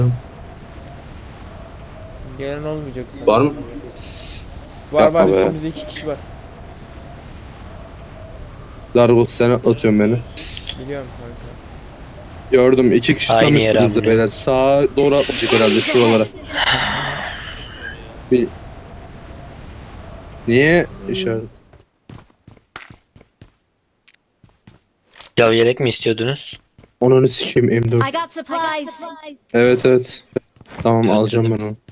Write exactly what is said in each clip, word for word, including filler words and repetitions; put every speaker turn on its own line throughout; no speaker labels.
Gelen olmayacak sanırım.
Var mı?
Var
Yapma
var
be.
üstümüzde iki kişi var.
Dargo sen atıyorsun beni.
Biliyorum kanka.
Gördüm iki kişi
Aynı
tam
yere
üstümüzde
amına.
beyler. Sağa doğru atlayacak herhalde şuralara. Bir... Niye işaret?
Ya yelek mi istiyordunuz?
Onu sikeyim M dört.
I got supplies.
Evet evet. Tamam
Yok
alacağım
dedim.
ben onu.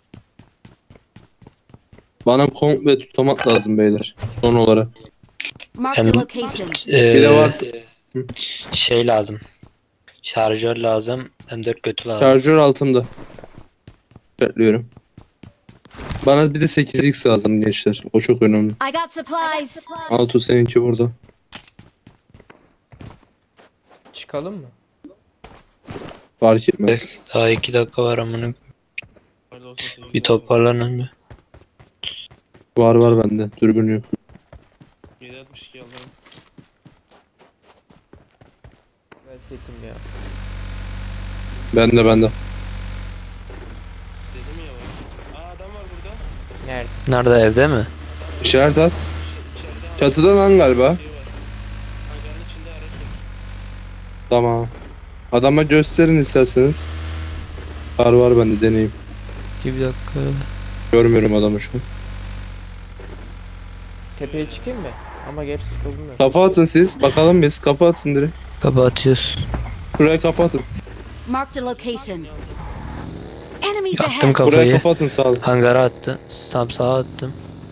Bana komple tutamak lazım beyler. Son olarak.
Marked a location.
Ee,
Bir de var.
Şey lazım. Şarjör lazım. M dört götü lazım.
Şarjör altımda. Bekliyorum. Bana bir de sekiz x lazım gençler. O çok önemli.
I got supplies.
Altu seninki burada.
Çıkalım mı?
Fark etmez.
Daha iki dakika var amına. Bir toparlanın bir.
Var var bende. Dürbün yok.
yedi altmış iki alırım.
Ben setim ya.
Bende bende.
Dedim ya bak. Aa adam var burada.
Nerede?
Nerede, evde mi?
İşaret at.
İçeride abi
Çatıda lan galiba.
şey var. Hangarın içinde araç var.
Tamam. Adama gösterin isterseniz. Var var bende deneyim.
Bir dakika.
Görmüyorum adamı şu an.
Tepeye çıkayım mı? Ama gerçi sıkıldım ya.
Kafa atın siz. Bakalım biz. Kafa atın direkt.
Kapatıyoruz.
Şuraya kafa atın.
Marked a location. Enemies
Yaktım
ahead.
kafayı.
Buraya kafa atın sağ olun.
Hangara attı. Tam sağa attım.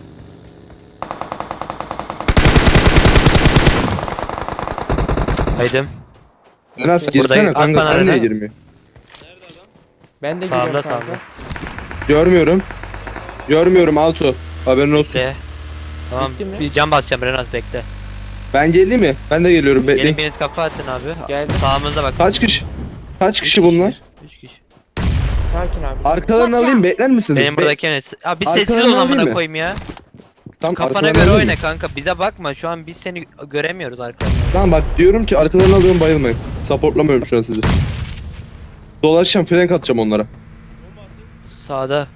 Haydim.
Enes
Burada
girsene
at
kanka
bana
sen niye
Eren.
girmiyor?
Nerede adam?
Ben de
Sağımda,
giriyorum kanka.
sağımda.
Görmüyorum. Görmüyorum Altu. Haberin olsun.
Bekle. Tamam.
Bitti mi?
Bir cam basacağım Renat, bekle.
Ben geleyim mi? Ben de geliyorum
Gelin
bekleyin.
biriniz kafa atın abi.
Geldim.
Sağımızda bak.
Kaç kişi? Kaç
Üç
kişi bunlar?
Üç kişi.
Sakin abi.
Arkalarını
Watch
alayım
out.
bekler misiniz?
Benim
Be-
buradaki Enes. Abi bir sessiz
Arkalarını
ol
alayım
amına
mı?
koyayım ya.
Tam
Kafana
arkalarını
göre
alayım
oyna
mı?
kanka. Bize bakma. Şu an biz seni göremiyoruz arkadan.
Tamam bak diyorum ki arkalarını alıyorum bayılmayın. Supportlamıyorum şu an sizi. Dolaşacağım flank atacağım onlara.
Bomba attı.
Sağda.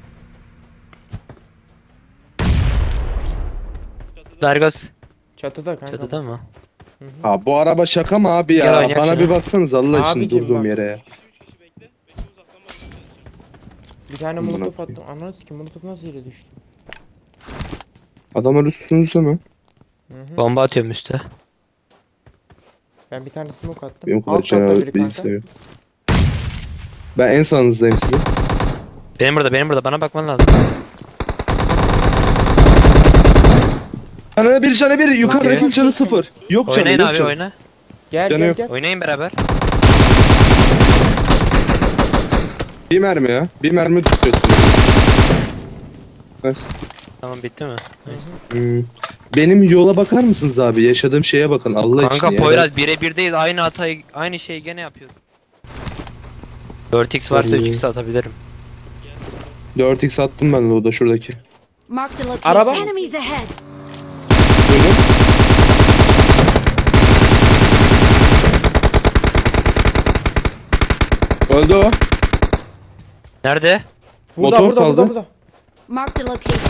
Çatıda.
Dargos.
Çatıda kanka.
Çatıda mı?
Hı hı.
Ha bu araba şaka mı abi
Gel
ya?
oynayalım
Bana
şunu.
bir baksanız Allah için
Abicim
durduğum
bak.
yere ya.
üç kişi üç kişi bekle. Bekle uzaktan bakacağız.
Bir tane
Amına
molotof
koyayım.
attım. Ananı sikeyim, molotof nasıl yere düştü?
Adamlar üstünüzde mi?
Hı hı.
Bomba atıyorum üste.
Ben bir tane smoke attım.
Benim kadar
Alt katta biri
cenabet bir
kanka.
istemiyorum. Ben en sağınızdayım sizin.
Benim burada, benim burada. Bana bakman lazım.
Canı bir canı bir yukarıdaki
Okey.
canı sıfır. Yok canı
Oynayın
yok
abi,
canı.
oyna.
Gel
Canı
gel
yok.
gel.
Oynayın beraber.
Bir mermi ya. Bir mermi tutuyorsun. Nice.
Tamam, bitti mi?
Hmm. Benim yola bakar mısınız abi? Yaşadığım şeye bakın Allah için
Kanka
ya.
Poyraz birebirdeyiz. Aynı hatayı, aynı şeyi gene yapıyoruz. dört x varsa
Tabii.
üç x atabilirim.
dört x attım ben loada şuradaki.
Marked a location.
Araba.
Enemies ahead.
Duydun? Öldü o.
Nerede?
Burada
Motor
burada
kaldı.
burada burada.
Marked a location.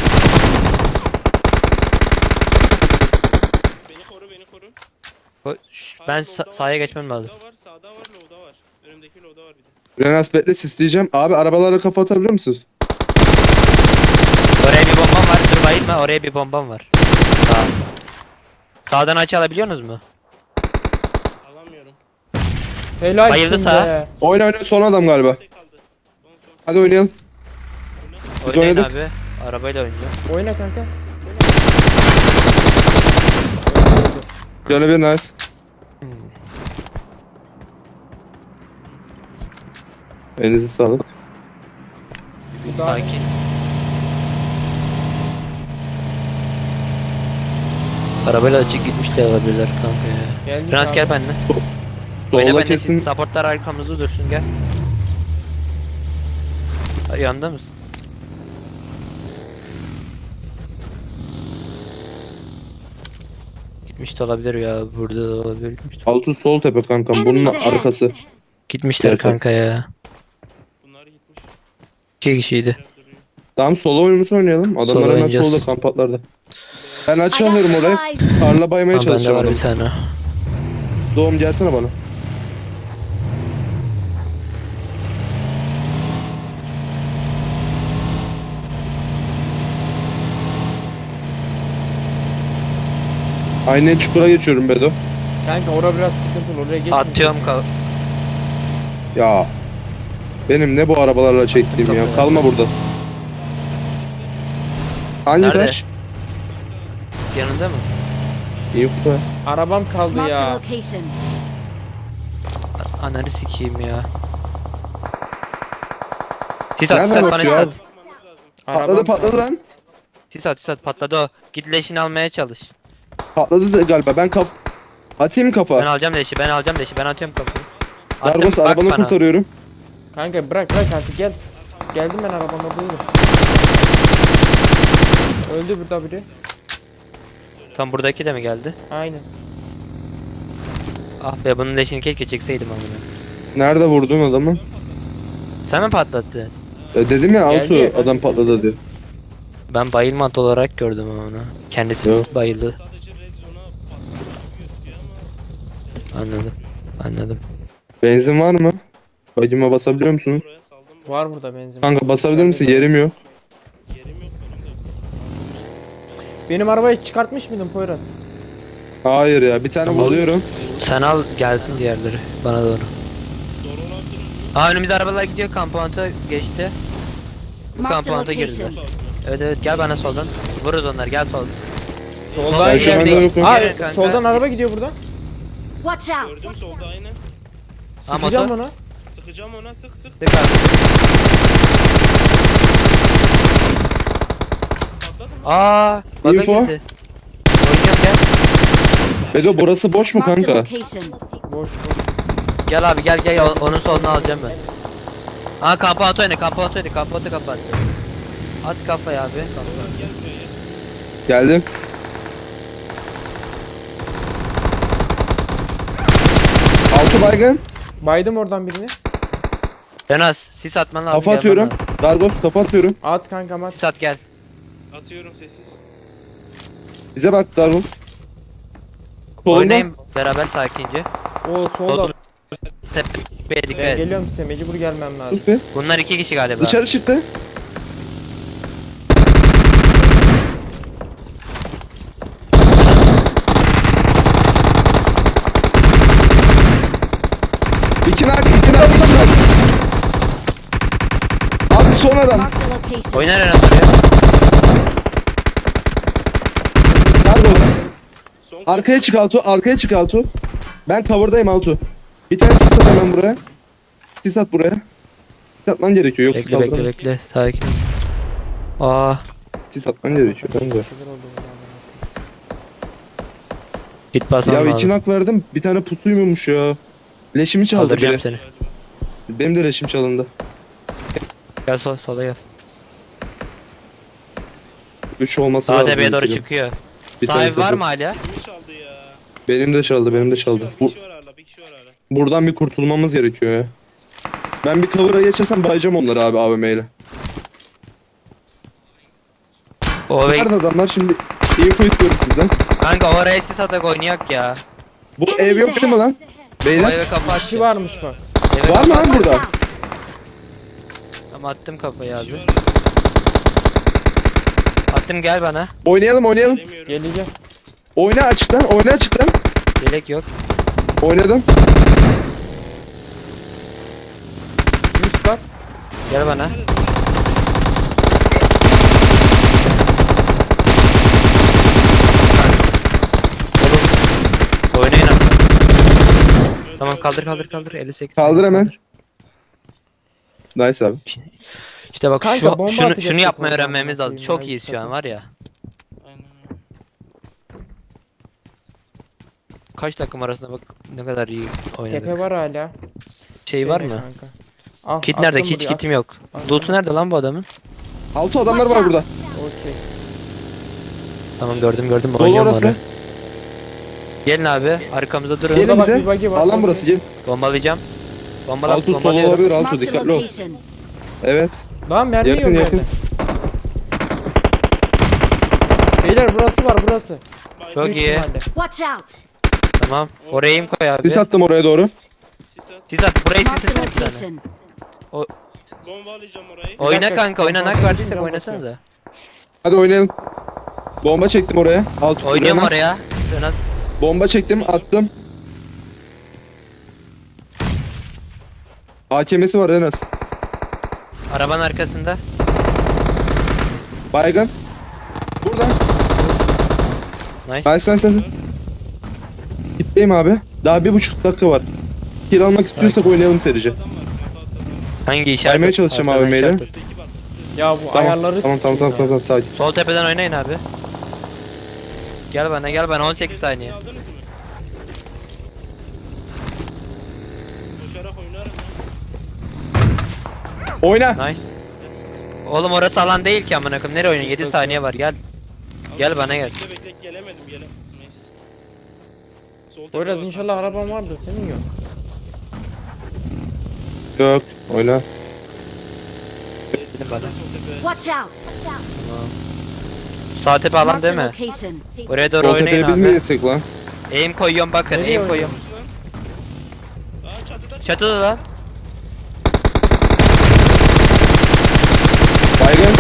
Beni koru beni koru.
O- şş, Ben sa- sahaya geçmem lazım.
Sağda var sağda var low'da var. Önümdeki low'da var bir de.
Renas bekle sisleyeceğim. Abi arabalara kafa atabilir misiniz?
Oraya bir bombam var. Dur bayılma. Oraya bir bombam var. Sağ. Sağdan açı alabiliyorsunuz mu?
Alamıyorum.
Helalsin
Bayıldı sağa.
be.
Oyna oyna son adam galiba.
Tek kaldı. Son son.
Hadi oynayalım.
Oyna.
Oynayın
oynadık.
abi. Arabayla oynayacağım.
Oyna kanka.
Canı bir nice. Elinize sağlık.
Bu da
Sakin. Arabayla açık gitmişler olabilirler kanka ya.
geldik
Prens
abi.
gel benimle. Oyna
Solda
benimle.
kesin
Supportlar arkamızda dursun, gel. Ha, yanında mısın? Gitmiş de olabilir ya. Burada da olabilir. Gitmiş de-
altı sol tepe kankam. Bunun
Enemies ahead.
arkası.
Gitmişler
Evet,
kanka ya.
Bunlar gitmiş.
İki kişiydi.
Biraz duruyor.
Tamam solo oyunumuzu oynayalım. Adamlar hemen
oynayacağız.
solda kampatlarda. Ben
I
açı
got
alıyorum oraya.
supplies.
Tarla baymaya
Tamam bende
çalışacağım
var
adamı.
bir tane.
Doğum gelsene bana. Aynı çukura geçiyorum Bedo.
Kanka orada biraz sıkıntılı, oraya geçme.
Atıyorum ka
Ya. Benim ne bu arabalarla çektiğim ya.
Kapı.
Kalma burada. Hangi
Nerede?
taş?
yanında mı?
İyi bu.
Arabam kaldı
Marked a
ya.
location.
Ananı sikeyim ya. Sis at, sis
Nereden
at, bana sis
atıyor
at.
abi?
Arabam
Patladı patladı
kaldı.
lan.
Sis at, sis at, patladı o. Git leşini almaya çalış.
Patladı da galiba. Ben kaf... Atayım
Ben
kafa.
alacağım leşi, ben alacağım leşi, ben atıyorum kapıyı. Attım,
Dargos
bak
arabanı
bana.
kurtarıyorum.
Kanka bırak bırak artık gel. Geldim ben arabama buyurun. Öldü burada biri.
Tam buradaki de mi geldi?
Aynen.
Ah be, bunun leşini keşke çekseydim amına.
Nerede vurdun adamı?
Sen mi patlattın?
E, dedim ya
Geldi ya.
Altu adam patladı diye.
Ben bayılmat olarak gördüm onu. Kendisi
Yok.
bayıldı.
Sadece red zone'a patlamak gözüküyor ama
Anladım. Anladım.
Benzin var mı? Bacıma basabiliyor musun?
buraya saldım.
Var burada benzin.
Kanka basabilir misin? Yerim yok.
Yerim yok benim de.
Benim arabayı çıkartmış mıydın Poyraz?
Hayır ya bir tane
Tamam.
buluyorum.
Sen al gelsin diğerleri bana doğru.
Doğru olabilir mi?
Aa önümüzde arabalar gidiyor, kampanta geçti. Bu
Marked a
kampanta girdiler.
location.
Evet evet, gel bana soldan. Vururuz onları, gel sol.
Soldan
Ben şu anda
geldi.
yokum.
Aa
Gelin kanka.
soldan araba gidiyor buradan.
Watch out.
Gördüm solda aynen.
Sıkacağım
motor.
ona.
Sıkacağım ona sık sık.
Tık abi.
Patladı mı?
Aa, bana
Info.
girdi. Oynayacağım gel.
Bedo burası boş mu
Marked a
kanka?
location.
Boş boş.
Gel abi gel gel, o- onun solunu alacağım ben. Aa kampanta oyna, kampanta oyna, kampanta kapat. At kafaya abi. Kampanta.
Gel buraya.
Geldim. Altı baygın.
Baydım oradan birini.
Renaz sis atman lazım.
Kafa
gelmen
atıyorum.
lazım.
Dargos kafa atıyorum.
At kankam at.
Sis at gel.
Atıyorum sessiz.
Bize bak Dargos. Solunda.
Oynayın beraber sakince.
O solda.
Solda. Tepeye dikkat
Ben
et.
geliyorum size, mecbur gelmem lazım.
Sus be.
Bunlar iki kişi galiba.
Dışarı çıktı. İki nak, iki nak, iki nak. Abi son adam.
Marked a location.
Oyna Renaz oraya.
Dargos.
Son
Arkaya çık Altu, arkaya çık Altu. Ben cover'dayım Altu. Bir tane sis at hemen buraya. Sis at buraya. Sis atman gerekiyor yoksa
Bekle bekle
kaldıramam.
bekle. Sakin. Aa,
Sis atman gerekiyor kanka.
Şeyler oldu burada.
git basmam
Ya
lazım.
iki nak verdim. Bir tane pusuymuş ya. Leşimi çaldı
Kaldıracağım
biri.
seni.
Benim de leşim çalındı.
Gel sol, sola gel.
Üç olması
Sağ
lazım.
tepeye doğru
benim.
çıkıyor.
Bir
Sahibi
tanesi
var
de-
mı hala?
kimi çaldı ya?
Benim de çaldı, benim de çaldı.
Bir
Bu,
kişi var hala, bir kişi var hala.
buradan bir kurtulmamız gerekiyor ya. Ben bir cover'a geçersem bayacağım onları abi A V M ile.
O ve
Nerede adamlar şimdi? Info istiyorum sizden.
kanka oraya sis atak oynayak ya.
Bu ev yok değil mi lan?
O
Beyler
eve kafa
Kişi
attım.
varmış bak.
Eve
var mı
kafa
lan
Watch
burada?
out.
Tamam, attım kafayı
Bir kişi
abi.
var.
Attım, gel bana.
Oynayalım oynayalım.
Bilemiyorum.
Geleceğim.
Oyna açıktan, oyna açıktan.
Yelek yok.
Oynadım.
Üst kat.
Gel bana. Oğlum. Oynayın abi. Tamam, kaldır kaldır kaldır. elli sekiz.
Kaldır hemen. Nice abi.
İşte bak
Kanka,
şu
bomba
şunu
atacaktık
şunu yapmayı
oradan,
öğrenmemiz lazım.
bakayım
Çok
ya,
iyiyiz şu an
istedim.
var ya.
Aynen öyle.
Kaç takım arasında bak ne kadar iyi oynadık.
Tepe var hala.
Şey var
Şeyde
mı?
kanka. Al,
Kit nerede?
attım
Hiç
buraya,
kitim yok.
Al.
Loot'u nerede lan bu adamın?
Altı adamlar
Watch
var
out.
burada.
at. Okey.
Tamam, gördüm gördüm.
Dolu
Oynuyorum
orası.
oraya. Gelin abi, arkamızda durun.
Gelin
Burada bak,
bize.
bir buggy var.
Alan burası gel.
Bombalayacağım. Bombala,
Altı solo
bombalıyorum.
olabilir Altı
Marked a
dikkatli ol.
location.
Evet.
Lan mermi
Yakın,
yok
yakın.
yerde. Beyler burası var burası.
Çok
Büyük
iyi.
ihtimalle.
Watch out!
Tamam. Oraya im koy abi.
Sis attım oraya doğru.
Sis at.
Sis at. Burayı
Marked
sis
a
at bir tane.
location.
Bomba alacağım orayı.
Oyna
dakika,
kanka oyna.
bomba
Nak verdiyse
atmışım,
oynasana da.
Hadi oynayalım. Bomba çektim oraya. Alt
Oynuyorum
Renas.
oraya. Renas.
Bomba çektim, attım. A K M'si var Renas.
Arabanın arkasında.
Baygın. Burada.
Nice.
Nice nice nice. Gitteyim abi. Daha bir buçuk dakika var. Kill almak istiyorsak oynayalım serice.
Adam var. Kafa atladım.
Hangi işaret?
Saymaya
at?
çalışacağım
Arkadan
abi
işaret
maili.
at.
Öteki bak.
Ya bu
Tamam,
ayarları
tamam tamam tamam
sikeyim
tamam
ya.
sakin.
Sol tepeden oynayın abi. Gel bana gel bana on sekiz saniye.
Aldınız mı? Koşarak oynarım ya.
Oyna.
Nice. Oğlum orası alan değil ki amına koyayım. Nereye oynuyorsun? yedi saniye var gel. Gel bana gel.
Bekle bekle gelemedim gelemedim. Neyse. Sol tepe
Poyraz
var.
inşallah araban vardır senin yok.
Yok. Oyna.
Gidin bana.
Sol tepe.
Watch out!
Sağ tepe alan
Marked
değil
a
mi?
location.
Oraya doğru
Sol
oynayın
tepeye biz mi
abi.
geçsek lan?
Aim koyuyorum bakın
Nereye
aim koyuyorum.
Aa çatıda.
Çatıda lan.
Baygın.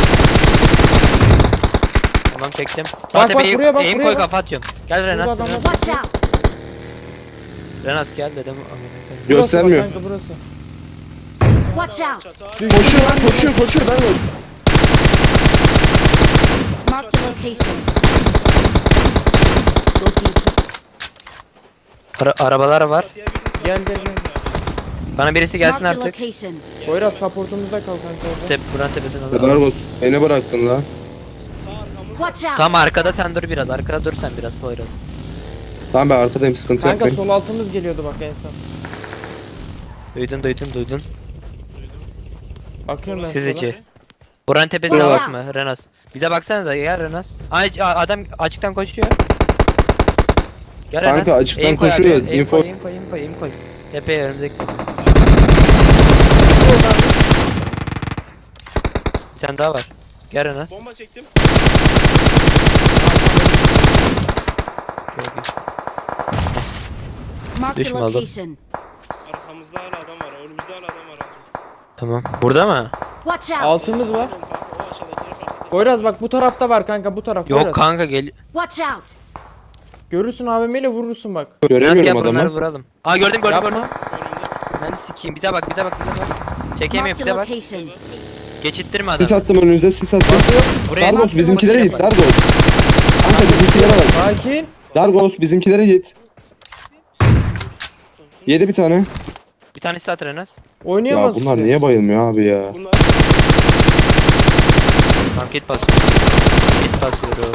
Tamam çektim. Sağ
bak,
tepeye
buraya bak,
aim
buraya
koy
bak.
kafa atıyorum. Gel Renas.
Burada adamlar-
Renas.
Watch out!
Renas gel dedim. amına koyayım.
Burası
Göstermiyor.
bak kanka burası.
Watch out!
Çatı abi.
Düş.
Koşuyor lan koşuyor koşuyor. Ben de.
Marked a location.
Çok iyisin.
Ara arabalar var.
Çatıya bir
Gel gel gel.
Bana birisi gelsin
Marked a
artık.
location.
Poyraz supportumuzda kal kanka orada.
Tep buranın tepesine
Kadar
alalım.
olsun. Beni bıraktın lan.
sağ arkamız.
Watch out!
Tam arkada sen dur biraz. Arkada dur sen biraz Poyraz.
Tamam ben arkadayım sıkıntı
Kanka
yapmayın.
sol altımız geliyordu bak en son.
Duydun duydun duydun.
Bakıyorum ben
Siz
sola.
içi. Buranın tepesine
Watch
bakma
out.
Renas. Bize baksanıza gel Renas. Ay a- adam açıktan koşuyor. Gel
Kanka,
Renas.
açıktan
Aim koy
koşuyor,
abi, Aim
info-
koy, aim koy, aim koy, aim koy. Tepeye önümüzdeki. Bir tane daha var. Gel Renas.
Bomba çektim.
Çok iyi.
Marked a
Düşme oğlum.
location.
Arkamızda hala adam var. Önümüzde hala adam var.
Tamam. Burada mı?
Watch out!
Altımız var.
O aşağıdakileri fark ettim.
Poyraz bak bu tarafta var kanka bu taraf.
Yok
Poyraz.
kanka gel.
Watch out!
Görürsün A V M ile vurursun bak.
Renas gel
Göremiyorum
bunları
adamı.
vuralım. Aa gördüm gördüm gördüm.
Yapma.
Önümde.
Ben sikeyim. Bize bak bize bak bize bak. Çekemiyorum
Marked a
bize bak.
location.
Geçittirme
Sis
adamı.
attım önünüze sis attım.
Buraya
Dargos bizimkilere git Dargos. Kanka bizimkilere bak.
Sakin.
Dargos bizimkilere git. Yedi bir tane.
Bir tanesi at Renas.
Ya
Oynayamaz
bunlar
sizi.
niye bayılmıyor abi ya?
Bunlar
Tamam kit basıyorum. Kit basıyorum.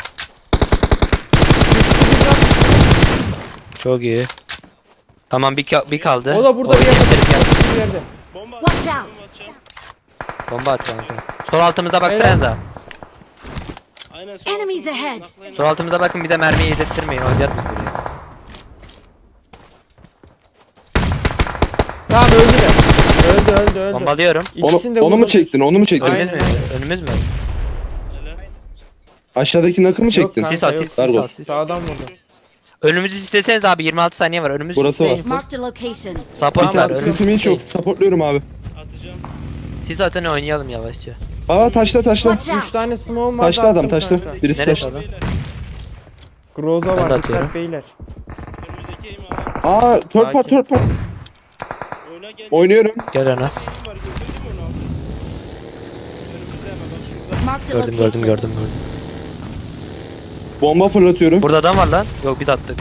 Çok iyi. Tamam bir, ka- bir kaldı.
O da burada bir yerde.
Oynayabiliriz, gel.
Bir yerde.
bomba
Watch
atacağım,
out.
bomba atacağım.
Bomba at kanka. Sol altımıza baksanıza.
Aynen sol
Enemies
altımızda
ahead.
naklayın.
Sol altımıza bakın bize mermiyi yedirttirmeyin. Oynayatmayın buraya.
Tamam öldüler. Öldü öldü öldü.
Bombalıyorum.
İkisini de
Onu, onu mu
vurdum.
çektin? Onu mu çektin?
Aynen.
Önümüz mü? Önümüz mü?
Helal.
Aşağıdaki nakı mı çektin?
kanka,
Sis at
yok.
sis sis
Dargos.
at. sis.
Sağdan vurdu.
Önümüzü isteseniz abi yirmi altı saniye var. Önümüzü
Burası var.
isteyin.
Marked a location.
Support
Tamam,
var.
atıyorum.
Önümüzü
Sesimi hiç yok.
isteyin.
Supportluyorum abi.
Atacağım.
Siz atın oynayalım yavaşça.
Aa taşla taşla.
Watch out!
Üç tane smoke'um var.
Taşla adam taşla. Birisi
Neresi
taşla.
adam?
Beyler.
Groza
Ben de
var
atıyorum.
dikkat beyler.
Önümüzdeki eğimi al.
Aa third part
Sakin.
third part.
Oyna gel.
Oynuyorum.
Gel Anas.
Eğim var gördün değil mi onu aldın? Önümüzde hemen bak şurada.
Marked a
Gördüm gördüm
location.
gördüm gördüm.
Bomba fırlatıyorum.
Burada adam var lan. Yok biz attık.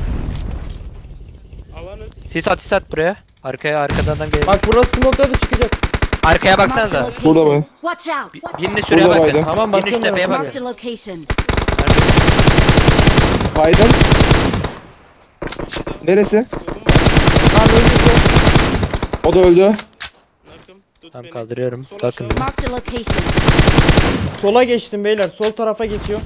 Alanız.
Sis at sis at buraya. Arkaya arkadan adam gelir.
Bak burası smoke'da da çıkacak.
Arkaya
Marked a
baksanıza.
Burada
location.
mı?
Watch out!
Birinin şuraya
Burada
bakın.
baydım.
Tamam,
Birinin şu
bakıyorum
tepeye
ben.
bakın.
Marked a location.
Biden. Neresi?
Tamam öldüyse.
O da öldü.
Nakım. Tut
Tamam
beni.
kaldırıyorum.
Sol
Bakın.
aşağı.
Marked a location.
Sola geçtim beyler. Sol tarafa geçiyor.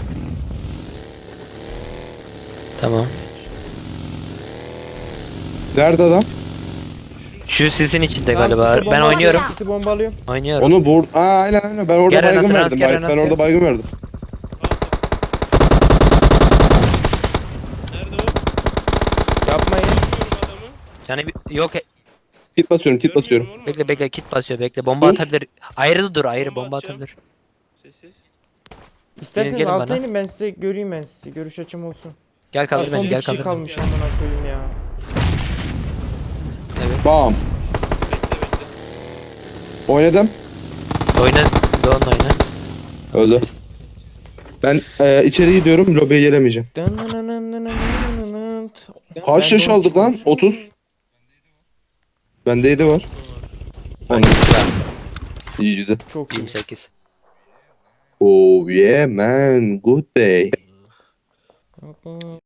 Tamam.
Nerede adam?
Şu sisin içinde
Tamam,
galiba.
sisi
Ben
bomba-
oynuyorum.
Sisi bombalıyorum.
Oynuyorum.
Onu vur. Aa aynen aynen. Ben orada
Gel
baygın
Enes,
verdim.
gel
Ben,
Enes,
ben
gel.
orada baygın verdim.
Nerede o?
Yapmayın.
Görmüyorum adamı.
Yani bir- yok e-
Kit basıyorum, kit basıyorum.
Görmüyorum oğlum
bekle
adamı.
bekle kit basıyor bekle. Bomba
Dur.
atabilir. Ayrı dur ayrı
Bomba
bomba
atacağım.
atabilir.
Sessiz.
İsterseniz
gelin
alta
bana.
inin, ben size göreyim ben sizi. Görüş açım olsun.
Gel
Ha,
kaldır
son
beni
bir
gel
kişi
kaldır beni.
kalmış amına koyayım ya.
Evet.
Bam.
Bekle bekle.
Oynadım.
Oyna. Doğan oyna.
Öldü. Ben e, içeri gidiyorum. Lobiye gelemeyeceğim. Kaç yaş aldık lan? otuz. Bende yedi var.
Hangi
İyi güzel.
Çok iyi.
yirmi sekiz.
Oh yeah man. Good day.